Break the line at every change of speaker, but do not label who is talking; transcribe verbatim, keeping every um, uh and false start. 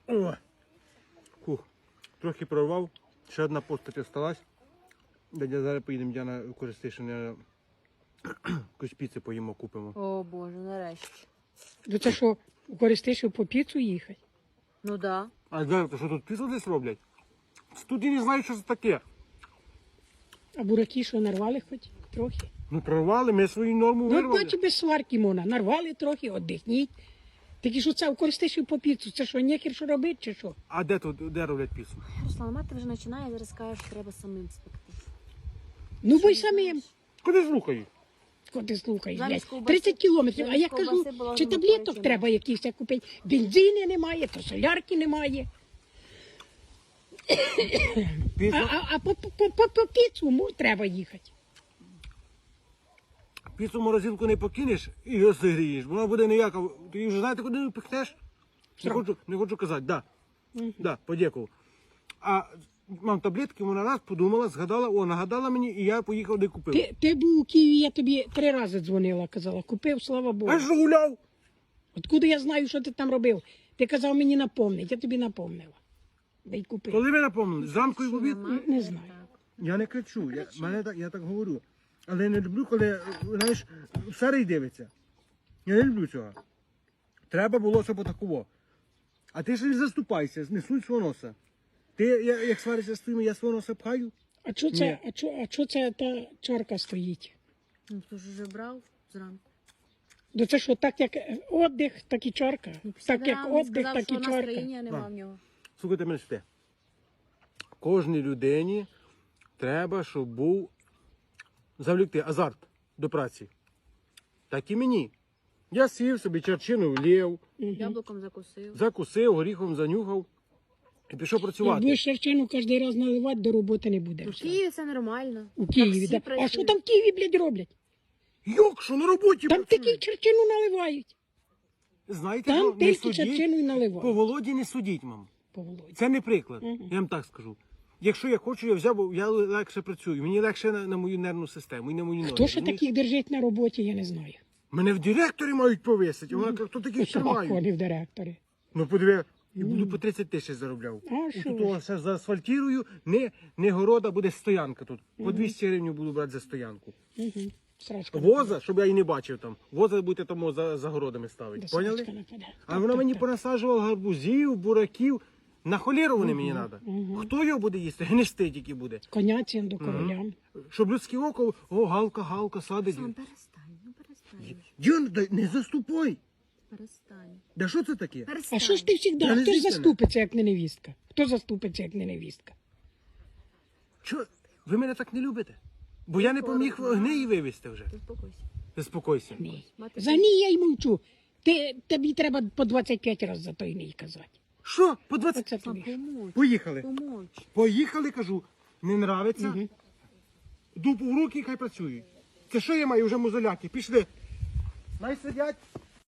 О! Фух. Трохи прорвав. Ще одна постать осталась. Дядя, зараз поїдемо, Діана, в Користишин, якусь піци поїмо, купимо.
О Боже, нарешті.
Ну це що, у Користишів по піцу їхати?
Ну да.
А зараз, то що тут піцу десь роблять? Тут і не знаю, що це таке.
А бураки що, нарвали хоч трохи?
Ну прорвали, ми свою норму
Ну,
вирвали.
бачу, без сварки можна. Нарвали трохи, віддихніть. Так і що це у Користишів по піцу? Це що, нехер що робити чи що?
А де тут, де роблять піцу?
Руслан, мати вже починає, зараз скаже, що треба самим спекти.
Ну, бо й самим.
Куди слухають?
Кого ти слухаєш,
Замість
блядь?
ковбаси-
тридцять кілометрів. А
замість
я кажу,
ковбаси була
чи
золотою
таблеток
ціна.
треба якісь купити? Бензини немає, то солярки немає. А,
Піцу,
а, а по, по, по, по піцу му треба їхати.
піцу в морозилку не покинеш і розігрієш. Вона буде ніяка. Ти вже знаєте, куди пихнеш? Не хочу, не хочу казати, да. Да, подякував. А мам таблетки, вона раз подумала, згадала, о, нагадала мені, і я поїхав, де купив.
Ти, ти був у Києві, я тобі три рази дзвонила, казала, купив, слава Богу.
А що гуляв?
Откуда я знаю, що ти там робив? Ти казав мені напомнить, я тобі напомнила. Да й купив.
Коли ви напомнили? Зранку і в обід?
Не знаю.
Я не кричу, я, мене так, я так говорю. Але я не люблю, коли, знаєш, старий дивиться. Я не люблю цього. Треба було, щоб отакого. А ти ж не заступайся, не суй свого носа. Ти, я, як сваришся з твоїм, я свого носа пхаю.
А що
Ні.
це, а чо, а чо це та чарка стоїть?
Ну, хто ж вже брав зранку?
Ну це що, так як е, віддих, так і чарка? Так як
Сказав,
віддих,
сказав,
так
що
і чарка.
настроєння нема
Так.
в нього.
Слухайте мене сюди. Кожній людині треба, щоб був завлікти азарт до праці. Так і мені. Я сів собі, черчину влів,
Яблуком закусив.
закусив, горіхом занюхав і пішов
Як
працювати.
будеш черчину кожен раз наливати, до роботи не буде.
У
все.
Києві це нормально.
У Києві,
Таксі
да. А що
працює.
там в Києві, блядь, роблять?
Йок, що на роботі
Там
працює?
такі черчину наливають.
Знаєте,
Там
що не
тільки
судіть,
черчину і наливають.
по Володі не судіть, мам.
По Володі.
Це не приклад, я вам так скажу. Якщо я хочу, я взяв, бо я легше працюю. Мені легше на, на мою нервну систему і на мої ноги.
Хто ще
розумієш?
таких держить на роботі, я не знаю.
Мене в директорі мають повисити, а вона каже, хто таких тримає?
Вони в директорі.
Ну подиви, і буду по тридцять тисяч заробляв.
А
І
що
тут
ж?
о, все заасфальтірую, не, не города, буде стоянка тут. По двісті гривень буду брати за стоянку.
Угу. Срачка.
Воза, щоб я її не бачив там. Воза будете тому за, за городами ставити.
Да,
Поняли?
срачка нападе.
А вона мені понасаджувала гарбузів, бураків. На холєру вони мені треба. Хто його буде їсти? Гнести тільки буде.
Коняцям до королям.
Щоб людське око, о, галка, галка, садить.
Сам перестань, ну перестань.
Діон, дай- не заступай.
Перестань.
Да що це таке?
Перестань.
А що ж ти завжди?
Я не
Хто ж
звідси не.
заступиться, як не невістка? Хто заступиться, як не невістка?
Що? Ви мене так не любите? Бо я не поміг гнеї вивезти вже.
Успокойся.
Заспокойся.
Ні.
Мати
За ній я й мовчу. Ти, тобі треба по двадцять п'ять разів за той ній казати.
Що? По двадцять?
Оце
Сам
тобі.
помочь.
Поїхали.
Помочь.
Поїхали, кажу. Не нравиться? Дупу в руки, хай працюють. Це що я маю вже музоляки? Пішли. Най сидять.